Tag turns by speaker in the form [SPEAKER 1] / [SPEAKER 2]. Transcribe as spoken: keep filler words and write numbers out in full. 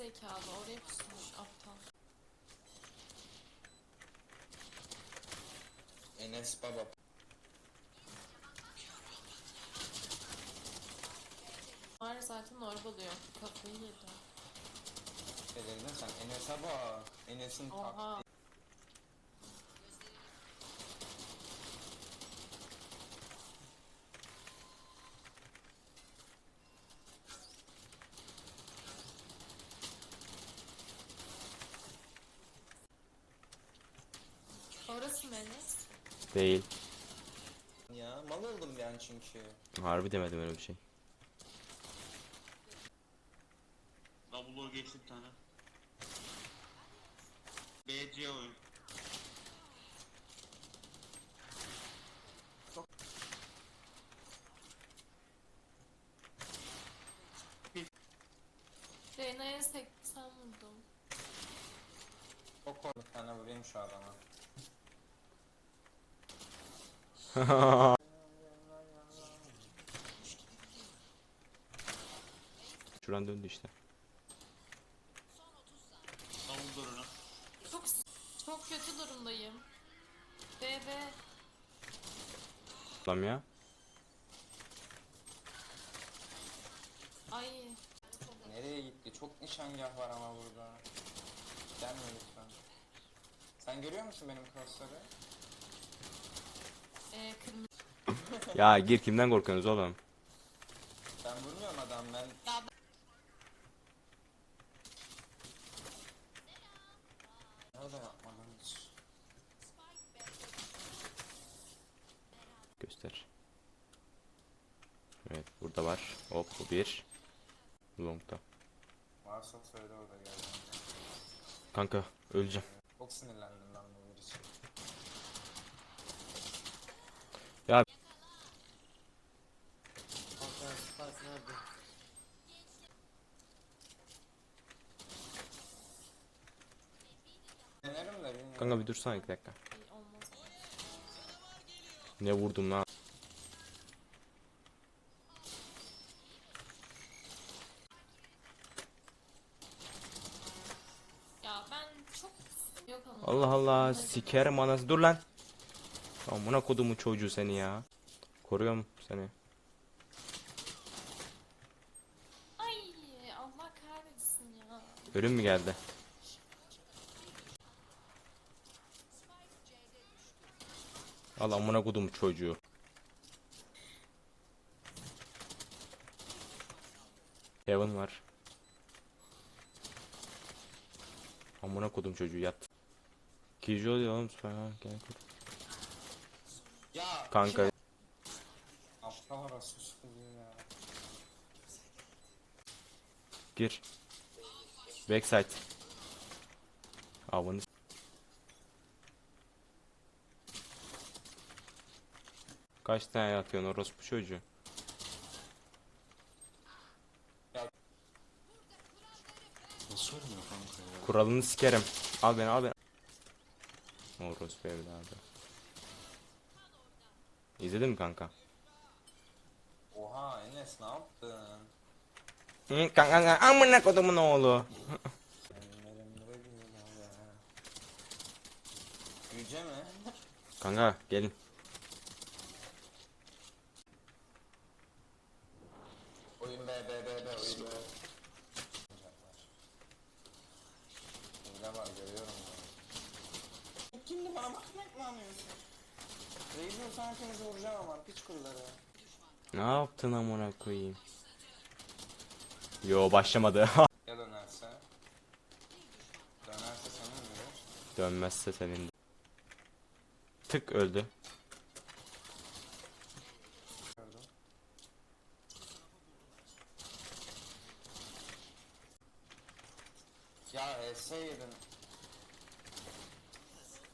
[SPEAKER 1] zekalı oraya pusmuş aptal.
[SPEAKER 2] Enes Baba.
[SPEAKER 1] Var zaten orba diyor. Kafayı yedi.
[SPEAKER 2] Dedin sen Enes'e bak. Enes'in
[SPEAKER 1] Oha.
[SPEAKER 2] taktiği.
[SPEAKER 1] Orası mı Enes?
[SPEAKER 3] Değil.
[SPEAKER 2] Ya mal oldum ben çünkü.
[SPEAKER 3] Harbi demedim öyle bir şey.
[SPEAKER 4] Double'u geçti bir tane. B C oyun.
[SPEAKER 1] Reyna'ya seksen vurdum.
[SPEAKER 2] Çok korkut tane vurayım şu adama.
[SPEAKER 3] Şuran döndü işte.
[SPEAKER 4] Double durunu.
[SPEAKER 1] Çok çok kötü durumdayım. B B.
[SPEAKER 3] Lan ya.
[SPEAKER 1] Ay.
[SPEAKER 2] Nereye gitti? Çok nişangah var ama burada. Gelme lütfen. Sen görüyor musun benim crossları?
[SPEAKER 1] E, kırmızı.
[SPEAKER 3] Ya gir, kimden korkuyorsunuz oğlum?
[SPEAKER 2] Ben vurmuyorum adam ben.
[SPEAKER 1] Ya
[SPEAKER 2] Nerede yapmadım hiç.
[SPEAKER 3] Göster. Evet, burada var. Hop, bu bir. Long'da.
[SPEAKER 2] Varsa söyle orada geldim.
[SPEAKER 3] Kanka öleceğim.
[SPEAKER 2] Çok sinirlendim ben bu bir için.
[SPEAKER 3] Ya
[SPEAKER 2] Denerim de bilmiyorum.
[SPEAKER 3] kanka bir dursana iki dakika.
[SPEAKER 1] iyi olmaz.
[SPEAKER 3] Ne vurdum lan?
[SPEAKER 1] Ya ben çok yok ama.
[SPEAKER 3] Allah Allah,
[SPEAKER 1] Hadi.
[SPEAKER 3] sikerim anası. Dur lan. Amına kodumu çocuğu seni ya. Koruyorum seni.
[SPEAKER 1] Ay Allah kahretsin ya.
[SPEAKER 3] Ölüm mü geldi? Al amına kodumu çocuğu. Heaven var. Amına kodum çocuğu, yat. Kijo diyor oğlum, süper ha, gel kur.
[SPEAKER 2] Ya
[SPEAKER 3] Kanka
[SPEAKER 2] aptal arası sıkılıyor ya.
[SPEAKER 3] gir. Backside. Avını s- Kaç tane yatıyorsun orospu çocuğu?
[SPEAKER 2] Nasıl ölmüyor kanka ya?
[SPEAKER 3] Kuralını sikerim. Al beni, al beni. Orospu evladı. İzledin mi kanka?
[SPEAKER 2] Oha Enes ne yaptın?
[SPEAKER 3] Hı, kanka kanka, amına kodumun oğlu.
[SPEAKER 2] Yüce mi?
[SPEAKER 3] Kanka gelin.
[SPEAKER 2] Oyun B B B B oyun B. Hile var görüyorum ya. Kimdi bana bakmak mı anlıyorsun? Reis'in sana hepinizi vuracağım ama piç kulları.
[SPEAKER 3] Ne yaptın amına koyayım? Yo, başlamadı.
[SPEAKER 2] Ya dönerse? Dönerse senin mi?
[SPEAKER 3] Dönmezse senin. Tık öldü.
[SPEAKER 2] Gördüm. Ya H S yedin.